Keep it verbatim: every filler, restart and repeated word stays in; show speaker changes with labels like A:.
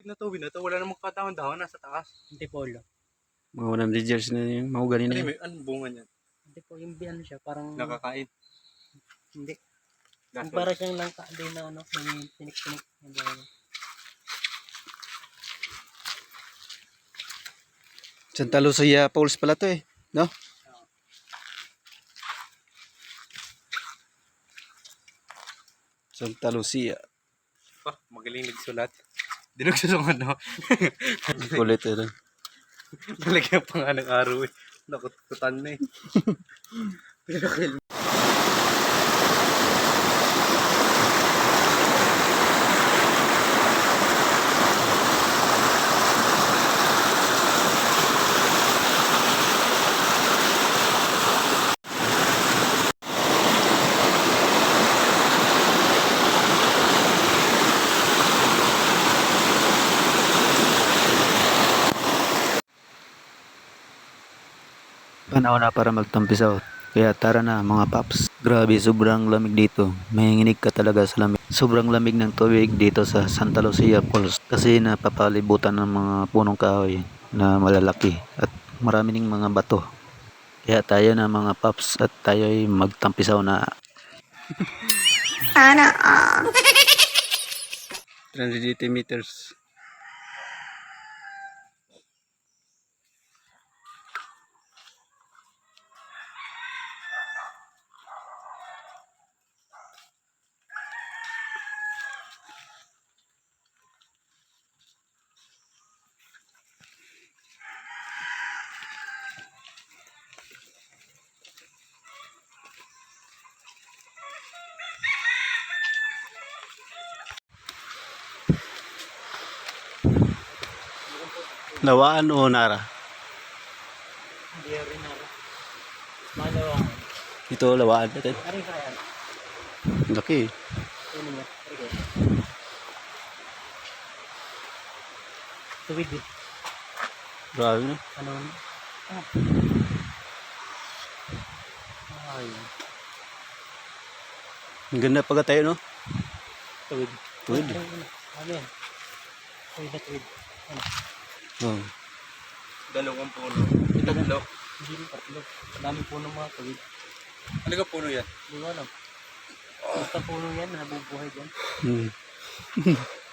A: na tubig na to, wala namang katahon-dahon nasa taas.
B: Hindi po ulo.
C: Mga one hundred years na yung mahugani na
A: Ano,
C: yun.
A: may, anong bunga niyan?
B: Hindi po yung ano siya, parang
A: Nakakain.
B: hindi. Yung
A: Gasol.
B: para siyang langka din na ano, may tinik-tinik. Hindi ano.
C: Santa Lucia Falls pala to eh. No? Santa Lucia.
A: Pa, magaling nagsulat. Di nagsusunod, no?
C: Kulit eh.
A: Talagyan pa nga ng araw eh. Nakututan na eh.
C: Panahon na para magtampisaw. Kaya tara na mga paps. Grabe, sobrang lamig dito. Mahinginig ka talaga sa lamig. Sobrang lamig ng tubig dito sa Santa Lucia Falls. Kasi napapalibutan ng mga punong kahoy na malalaki. At marami ding mga bato. Kaya tayo na mga paps at tayo ay magtampisaw na.
D: Sana all.
C: three hundred eighty meters. Lawaan o Nara?
B: Hindi rin na. Malawang.
C: Ito lawaan natin.
B: Ari kaya.
C: Laki.
B: Ano niya? Ari kaya. Tuwid eh.
C: Grabe na.
B: Ano? Ah. Ay.
C: Ang ganda pagka tayo no?
B: Tuwid.
C: Tuwid.
B: Ano, ano, ano yan? Tuwid na tuwid. Ano?
C: Oh.
A: Dalawang puno. Tatlo.
B: Hindi rin tatlo. Madami po ng mga tuwid.
A: Ano ka puno yan?
B: Hindi ko alam. Basta puno yan, nabubuhay dyan.
C: Hmm.